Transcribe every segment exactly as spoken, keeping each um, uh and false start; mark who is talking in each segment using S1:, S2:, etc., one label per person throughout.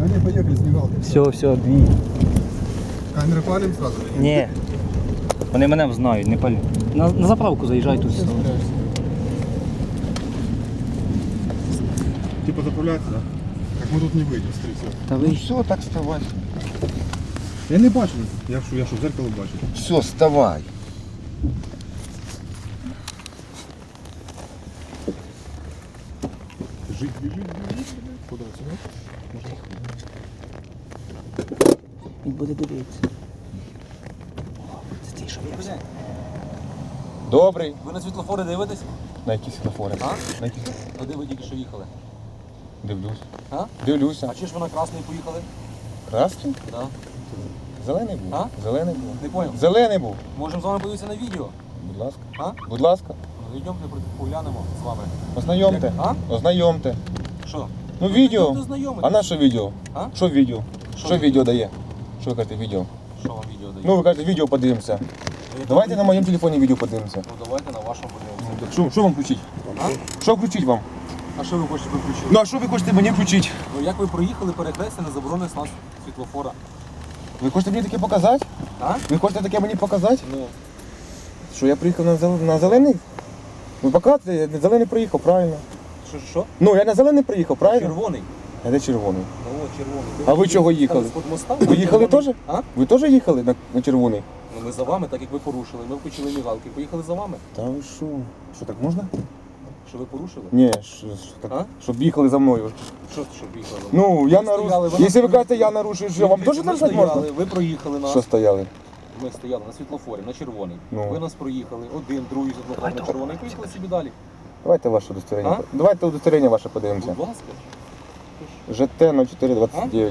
S1: не, поехали с мигалкой.
S2: Все, все, дві.
S1: Камеры палим сразу?
S2: Ні. Вони мене знають, не палю. На, на заправку заїжджай тут.
S1: Типа заправляться, да? Так мы тут не выйдем, скорее всего.
S2: Та
S3: Ну
S2: ви.
S3: все, так вставай.
S1: Я не бачу. Я що, я що, в зеркало бачу.
S3: Все, вставай.
S1: Жить, бежит, бежит. Куда, сюда? Можно?
S2: Він буде дивитися. Це ти що я?
S3: Добрий.
S4: Ви на світлофори дивитесь?
S3: На які світлофори?
S4: А?
S3: На які?
S4: Куди ви тільки що їхали?
S3: Дивлюсь.
S4: А?
S3: Дивлюся.
S4: А чи ж ви на красний поїхали?
S3: Красний?
S4: Да.
S3: Зелений був.
S4: А?
S3: Зелений був.
S4: Не понял.
S3: Зелений був.
S4: Можемо з вами подивитися на відео?
S3: Будь ласка.
S4: А?
S3: Будь ласка.
S4: Ну, йдемте, поглянемо з вами.
S3: Ознайомте.
S4: А?
S3: Ознайомте.
S4: Що?
S3: Ну відео.
S4: Йдемте знайомитись.
S3: А на що відео?
S4: А?
S3: Що відео?
S4: Що
S3: Що
S4: відео?
S3: відео дає? Що ви кажете відео?
S4: Що вам відео дає?
S3: Ну ви кажете відео подивимося.
S4: Ви
S3: Давайте на моєму телефоні відео подивимося.
S4: Ну давайте на вашому подивимося.
S3: Що, що вам включити?
S4: А?
S3: Що включити вам?
S4: А що ви хочете виключити?
S3: Ну а що ви хочете мені включити?
S4: Ну як ви проїхали перехрестя на заборонений знак світлофора?
S3: Ви хочете мені таке показати?
S4: А?
S3: Ви хочете таке мені показати?
S4: Ну.
S3: Що я приїхав на, зел... на зелений? Ви показуєте, я на зелений приїхав, правильно.
S4: Що, що?
S3: Ну, я на зелений приїхав, правильно?
S4: Червоний.
S3: А де червоний?
S4: Ну, от червоний.
S3: А ви чого їхали?
S4: З-під моста?
S3: Ви їхали
S4: Червоний.
S3: теж?
S4: А?
S3: Ви теж їхали на, на червоний?
S4: Ну ми за вами, так як ви порушили. Ми включили мігалки, поїхали за вами.
S3: Та ви що? Що так можна?
S4: Що ви порушили?
S3: Ні, що, що так,
S4: А?
S3: щоб їхали за мною.
S4: Що, що їхали?
S3: Ну, я
S4: Ви стояли,
S3: нарушив.
S4: ви
S3: Якщо ви
S4: нас-
S3: кажете, я нарушив, що вам теж
S4: Ми
S3: нарушати можна?
S4: стояли, ви проїхали нас.
S3: Що стояли?
S4: Ми стояли на світлофорі, на червоний.
S3: Ну.
S4: Ви нас проїхали, один, другий світлофор на червоний, поїхали собі далі.
S3: Давайте ваше удостоверення.
S4: А?
S3: Давайте удостоверення ваше подивимося.
S4: Будь ласка,
S3: ЖТ ноль чотири двадцять дев'ять.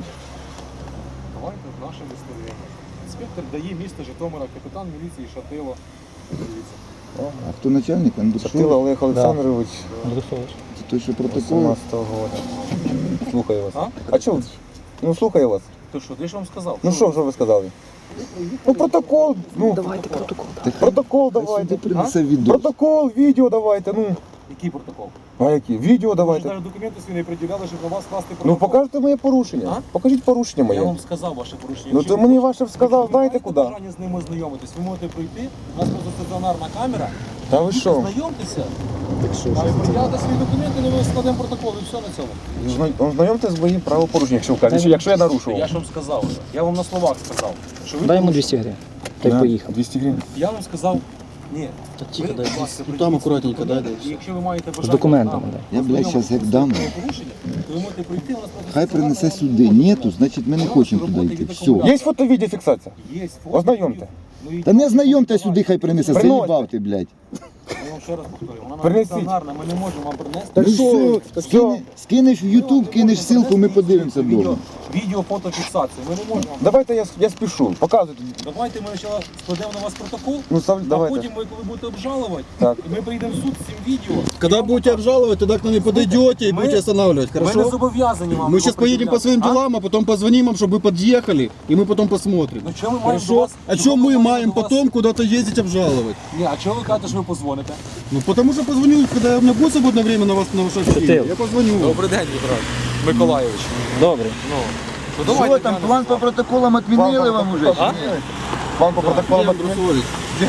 S4: давайте наше виставлення. Інспектор дає місто Житомира, капітан міліції Шатило. Дивіться.
S5: А хто начальник?
S3: Шатило
S5: Андрушов?
S3: Олег Олександрович.
S5: Це той, що протокол?
S3: вісімнадцятого року. Слухаю вас.
S4: А?
S3: А чого? Ну слухаю вас.
S4: То що, де ж вам сказав?
S3: Ну що, що ви сказали? Ну протокол, ну
S2: Давайте протокол.
S3: протокол
S5: Сюди
S3: давайте.
S5: принесе відео.
S3: Протокол, відео давайте, ну.
S4: Який протокол?
S3: А які? Відео
S4: Ви ж
S3: давайте.
S4: навіть документи свої не приділяли, щоб на вас скласти протокол.
S3: Ну покажете моє порушення.
S4: А?
S3: Покажіть порушення
S4: Я
S3: моє.
S4: вам сказав ваше порушення.
S3: Ну
S4: Якщо
S3: то
S4: ви
S3: мені
S4: хочете-
S3: ваше сказав,
S4: якщо ви
S3: знаєте
S4: маєте
S3: куди?
S4: бажання з ними ознайомитись, ви можете прийти, у нас просто стаціонарна камера.
S3: Та ви що?
S4: Знайомтеся, а ви приділяти свої документи, ну ми складемо протокол і все на цьому.
S3: Зна- Ознайомте з моїм правопорушенням, якщо ви кажете, якщо я
S4: Я
S3: нарушував.
S4: ж вам сказав вже. Я вам на словах сказав. Що ви
S2: Дай йому
S4: порушили.
S2: двісті гривень. Та й
S3: На
S2: поїхав.
S3: двісті гривень.
S4: Я вам сказав, ні.
S2: Та
S4: Ви,
S2: тихо, дай.
S4: будь ласка,
S1: Ну,
S4: прийдіть
S1: там
S4: з
S1: акуратненько,
S4: документами,
S1: дай, дай.
S4: і якщо ви маєте бажання
S2: документами,
S4: нам
S2: дай.
S5: Я, блядь, щас як дам.
S4: порушення, то ви можете прийти, у нас просто
S5: Хай
S4: стаціонарна
S5: принесе
S4: вам
S5: сюди.
S4: робота
S5: Нету,
S4: буде.
S5: значить ми не
S4: У нас
S5: хочемо
S4: роботи
S5: туди йти.
S4: від
S5: Все.
S4: акумулятора.
S3: Є фото-відеофіксація?
S4: Є фото.
S3: Ознайомте.
S4: Ну, і-
S5: Та не знайомте сюди, хай принесе.
S3: Приносьте.
S5: Заїбав ти, блядь.
S4: Я вам ще раз повторюю, вона
S3: Принесіть.
S4: стаціонарна, ми не можемо вам принести.
S3: Так
S5: Ну
S3: що?
S5: все, скине- скинеш в Ютуб, кинеш ссылку, ми подивимося
S4: Відео,
S5: вдома.
S4: відео, фотофіксацію. Ми не можемо вам.
S3: Давайте я, я спішу. Показуйте.
S4: Давайте ми спочатку складемо на вас протокол,
S3: Ну, став-
S4: а
S3: давайте.
S4: потім ви коли будете обжалувати,
S3: Так.
S4: і ми прийдемо в суд з цим відео.
S1: Когда будете обжаловать, тогда к нам не подойдете и
S4: мы-
S1: будете останавливать,
S4: Ми не
S1: хорошо?
S4: зобов'язані вам.
S1: Мы
S4: його
S1: сейчас поедем по своим
S4: пред'являти.
S1: делам, а потом позвоним вам, чтобы вы подъехали, и мы потом посмотрим.
S4: Ну чого ми маємо до
S1: Хорошо?
S4: вас?
S1: А
S4: чого
S1: чем мы
S4: маємо
S1: маем
S4: до вас-
S1: потом куда-то ездить обжаловать?
S4: Ні, а чого ви кажете, що ви позвоните?
S1: Ну потому что позвоню, когда у меня будет свободное время на вас, на ваше общение.
S2: Шатил.
S1: Я позвоню.
S4: Добрий день, Віктор Миколайович.
S2: Добре.
S4: Ну, то давайте
S5: Що там,
S4: глянемо
S5: план
S4: з
S5: по
S4: вами.
S5: протоколам відмінили вам уже?
S4: А?
S3: Вам по протоколу
S1: Андрей Андрусович.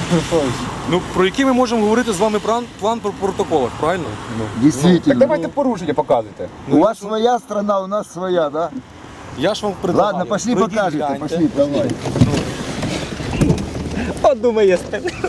S4: Ну, про який ми можемо говорити з вами план, план по протоколах, правильно?
S3: Так
S5: Дійсно.
S3: давайте порушення показуйте.
S5: У вас своя страна, у нас своя, да?
S4: Я ж вам предлагаю.
S5: Ладно, пошли
S4: Пройдіть,
S5: покажете,
S4: гляньте.
S5: пошли, давай.
S2: От думає.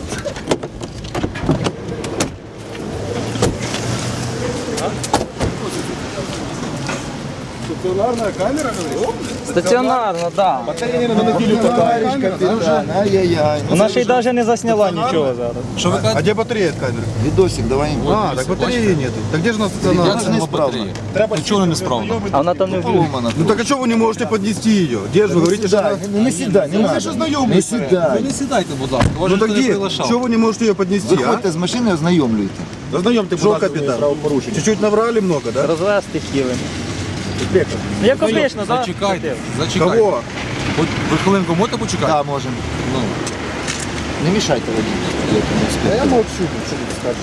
S1: Стационарная камера, говоришь?
S2: Стаціонарно, так.
S5: Товарищ капитан, ай-яй-яй.
S2: Вона ще й навіть не засняла нічого зараз.
S4: Що ви
S1: А
S4: кажете?
S1: где батарея от камеры?
S5: Видосик давай.
S1: А, так батареи нету. Так где же у нас
S4: Як
S1: стационарная?
S4: це не справно? Нічого не справно.
S2: А вона там не влюблена.
S5: Поломано.
S1: Ну так а что вы не можете поднести ее? Где же вы говорите, что она...
S5: Ну не сідай, не
S1: Ну,
S5: надо.
S1: ви ж знайомі.
S5: Не
S4: Ви
S5: сідай.
S4: не сідайте, будь ласка, вас
S1: Ну
S4: же
S1: так
S4: ніхто не
S1: где?
S4: приглашав.
S1: Чего вы не можете ее поднести, а?
S5: Виходьте з машини, ознайомлюйте.
S1: Ознайомте, будь ласка, капитан. Чуть-чуть наврали много, да?
S2: Розвести хотіли. Ну, як обично, так?
S4: Зачекайте, зачекайте.
S1: Кого?
S4: Хоч ви хвилинку можете почекати?
S5: Так, можемо.
S4: Ну,
S5: Не мішайте водію.
S1: Я молчу, что ты скажешь.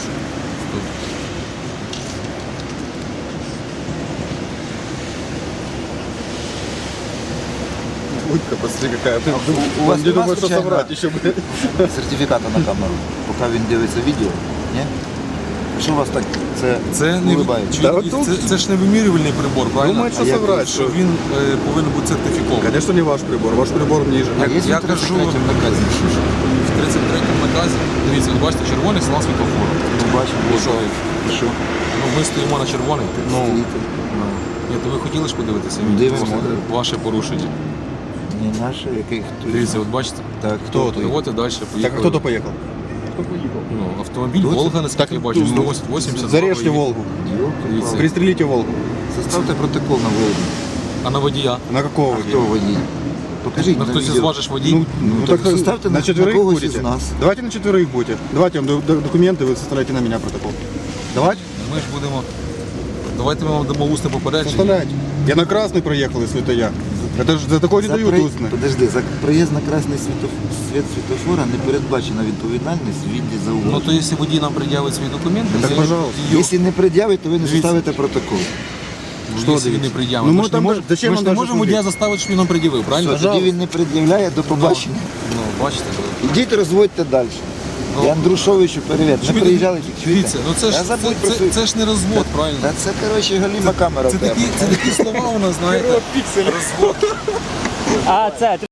S1: Утка, посмотри, какая. Ты
S5: у вас
S1: не
S5: нема
S1: думаешь, что
S5: случайно
S1: соврать еще, блядь.
S5: сертифіката на камеру, поки він дивиться відео? Ні? Що у вас так це,
S4: Це не
S5: улибається?
S1: Да,
S4: чоловік,
S1: от
S4: це, це ж не вимірювальний прибор, правильно?
S1: Думает, что
S5: А я
S1: соврать,
S4: Що
S1: что...
S4: він е, повинен бути сертифікований.
S1: Конечно, не ваш прибор, ваш прибор ниже.
S5: А є
S4: я
S5: в тридцять
S4: кажу-
S5: третьому наказі?
S4: В тридцять третьому наказі, дивіться, ви бачите, червоний сигнал світлофору.
S5: Ну, бачимо.
S4: І що?
S5: І що?
S4: Ну, ми стоїмо на червоний. Ну,
S5: Стоїте.
S4: ні, то ви хотіли ж подивитися
S5: Дивимося.
S4: відео? Ваше порушення.
S5: Не наше, який хто.
S4: Дивіться, от бачите?
S5: Так,
S1: Кто
S5: хто
S1: то?
S5: той?
S4: І от і далі
S1: Так,
S4: поїхали.
S1: а кто-то поехал?
S4: Ну, автомобіль
S5: Хто це?
S4: Волга, наскільки
S1: Так,
S4: я бачу,
S1: ну,
S4: сто вісімдесят.
S1: Зарежьте Волгу.
S4: Дивіться.
S1: Пристрелите Волгу.
S5: Составте протокол на Волгу.
S4: А на водія?
S1: На какого
S5: А
S1: водителя?
S5: хто водій? Покажіть
S4: На
S5: на
S4: хтось із
S5: відео.
S4: ваших водій?
S1: Ну,
S5: Ну,
S1: ну,
S5: так
S1: так
S5: составьте
S1: на
S5: на-
S1: четверых
S5: на когось
S1: будете.
S5: из нас.
S1: Давайте на четверых будете. Давайте я вам д- д- документы, вы составляете на меня протокол. Давайте?
S4: Ми ж будемо. Давайте ми вам дамо усне попередження.
S1: Составляйте. Я на красный проехал, если это я. Это же за такое не
S5: За
S1: дают
S5: при-
S1: устно.
S5: Подожди, за проїзд на красний світоф... світ світофора не передбачена відповідальність в віді
S4: Ну
S5: зауваження.
S4: то якщо водій нам пред'явить свої документи,
S1: Так,
S4: ми
S1: пожалуйста.
S4: її-
S5: Якщо не пред'явить, то ви не
S4: Дивіться.
S5: составите протокол.
S4: Що
S1: Що
S4: він не
S1: дивіться?
S4: пред'явить?
S1: Ну,
S4: ми
S1: ми
S4: ж не
S1: там
S4: можемо,
S1: зачем
S4: ми
S1: нам
S4: ж не
S1: даже
S4: можемо
S1: судити?
S4: водія заставити, щоб він нам пред'явив, правильно?
S5: Все, тоді він не пред'являє, до побачення.
S4: Ну, бачите, то-
S5: Ідіть розводьте далі.
S4: Ну.
S5: І Андрушовичу привіт.
S4: Що
S5: Не
S4: ви-
S5: приїжджали тільки. чуєте?
S4: Дивіться, ну це ж
S5: Я
S4: це,
S5: забудь про
S4: це,
S5: свою-
S4: це ж не розвод, правильно?
S5: Та це, коротше, галіма камера.
S4: Це
S5: в тебе.
S4: такі, це такі слова у нас, знаєте. Розвод.
S2: А, це